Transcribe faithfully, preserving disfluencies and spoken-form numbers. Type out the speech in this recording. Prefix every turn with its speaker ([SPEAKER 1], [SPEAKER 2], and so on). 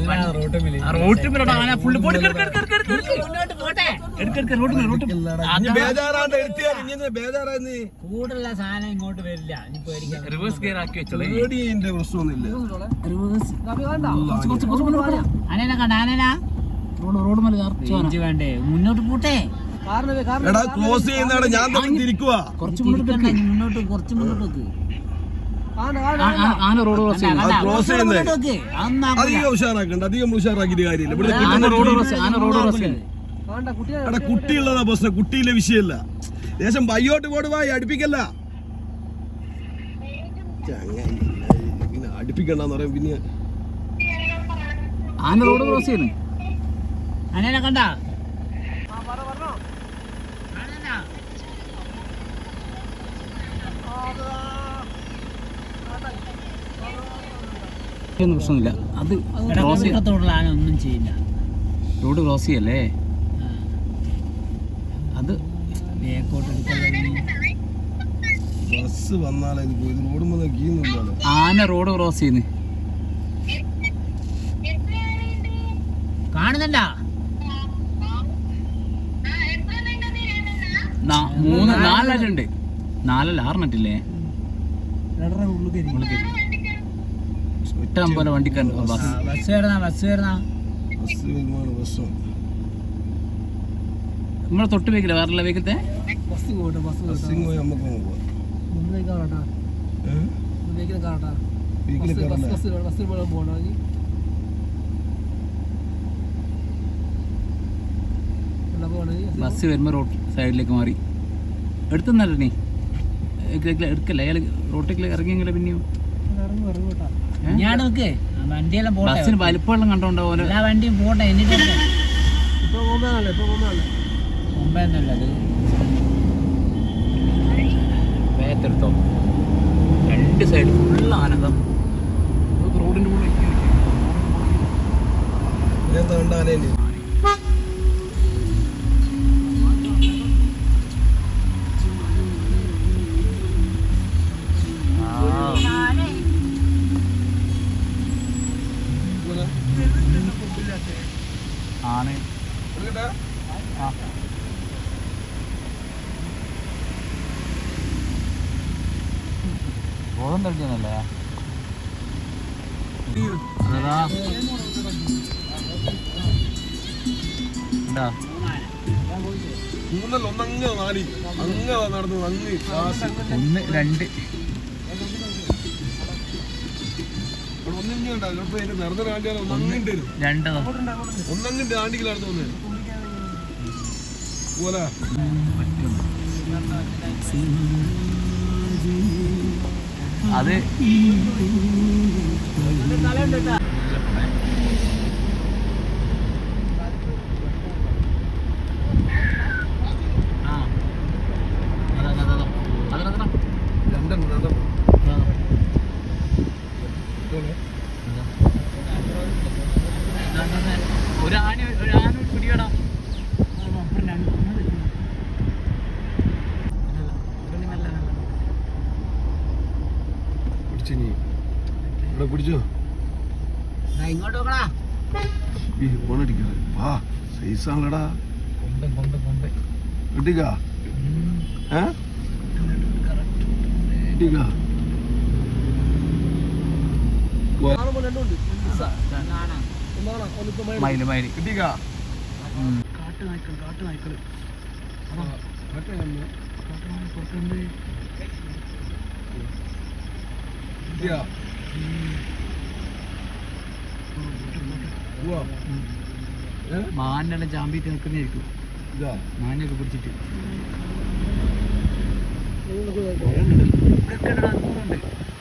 [SPEAKER 1] റോട്ടുമില്ലോട്ട് ആന ഫുള്ള് പോട്ടെ
[SPEAKER 2] കൂടുതലുള്ള സാധനം ഇങ്ങോട്ട് വരില്ല.
[SPEAKER 1] റിവേഴ്സ് ഗിയർ ആക്കി വെച്ചോളൂ.
[SPEAKER 2] ആനേനെ കണ്ട ആനേനാ റോഡ് റോഡ് മല വേണ്ടേ മുന്നോട്ട് പോട്ടെ.
[SPEAKER 3] ക്ലോസ് ചെയ്യുന്നതാണ് ഞാൻ തിരിക്കുക.
[SPEAKER 2] കുറച്ച് മുന്നോട്ട് കുറച്ച് മുന്നോട്ട്
[SPEAKER 1] ആന റോഡ് ക്രോസ്
[SPEAKER 3] ക്ലോസ് ചെയ്യുന്നത് അധികം ഉഷാറാക്കണ്ട. അധികം ഉഷാറാക്കിയിട്ട് കാര്യമില്ല. ഇവിടെ കുട്ടിയുള്ളതാ പ്രശ്നം. കുട്ടിയിലെ വിഷയമല്ല. ദേശം ബയ്യോട്ട് പോടുവാ അടുപ്പിക്കല്ല. പിന്നെ അടുപ്പിക്കണ്ടെന്ന് പറയാം. പിന്നെ
[SPEAKER 1] ആന റോഡ് ക്രോസ് ചെയ്യുന്നു.
[SPEAKER 2] ആനേനെ കണ്ട
[SPEAKER 1] പ്രശ്നമില്ല. അത്
[SPEAKER 2] ആന ഒന്നും ചെയ്യില്ല.
[SPEAKER 1] റോഡ് ക്രോസ് ചെയ്യല്ലേ. അത്
[SPEAKER 3] ബസ് വന്നാലേ
[SPEAKER 1] ആന റോഡ് ക്രോസ് ചെയ്യുന്നു.
[SPEAKER 2] കാണുന്നുണ്ട
[SPEAKER 1] മൂന്ന് നാലെണ്ണുണ്ട്. നാലല്ല ആറെണ്ണട്ടില്ലേ. ഇഷ്ടം പോലെ വണ്ടിക്ക്
[SPEAKER 2] ബസ് വരുന്ന ബസ് വരുന്ന
[SPEAKER 1] നമ്മളെ തൊട്ട് വെക്കില്ല. വേറെ വെക്കത്തെ ബസ് വരുമ്പോ റോഡ് സൈഡിലേക്ക് മാറി എടുത്തുന്നല്ലേ എടുക്കല്ല. അയാൾ റോട്ടിലേക്ക് ഇറങ്ങിയെങ്കിലേ പിന്നെയോ
[SPEAKER 2] വണ്ടിയെല്ലാം പോട്ടെ.
[SPEAKER 1] ബസ്സിന് വലിപ്പമെല്ലാം കണ്ടോണ്ടാവും.
[SPEAKER 2] എല്ലാ വണ്ടിയും പോട്ടെ. എന്നിട്ട് മുമ്പേന്നല്ലത്
[SPEAKER 1] വേഗത്തെടുത്തോ. രണ്ട് സൈഡ് ഫുള്ള് ആനന്ദം. റോഡിന്റെ കൂടെ ആന ബോധം തെളിച്ചല്ലേ. അതാ ഒന്ന് രണ്ട് രണ്ടോ
[SPEAKER 3] ഒന്നങ്ങിട്ട് ആണ്ടിക്കലാണ് തോന്നുന്നത്.
[SPEAKER 1] അത് ഒരു ആന ഒരു ആന പിടിയടാ.
[SPEAKER 3] പിടിച്ചോ
[SPEAKER 2] ഇങ്ങോട്ട് നോക്കടാ.
[SPEAKER 3] വാ സൈസാണല്ലടാ.
[SPEAKER 1] കൊമ്പ് കൊമ്പ് കൊമ്പ്
[SPEAKER 3] കിട്ടിക്കാ കിട്ടിക്കാ
[SPEAKER 1] മയില് മയില്
[SPEAKER 3] കിട്ടിക്കാ.
[SPEAKER 1] കാട്ടു നായ്ക്കൾ കാട്ടു നായ്ക്കൾ മാനെല്ലാം ചാമ്പിട്ട് നിൽക്കുന്നതായിരിക്കും. മാനൊക്കെ പിടിച്ചിട്ട് ഇവിടെ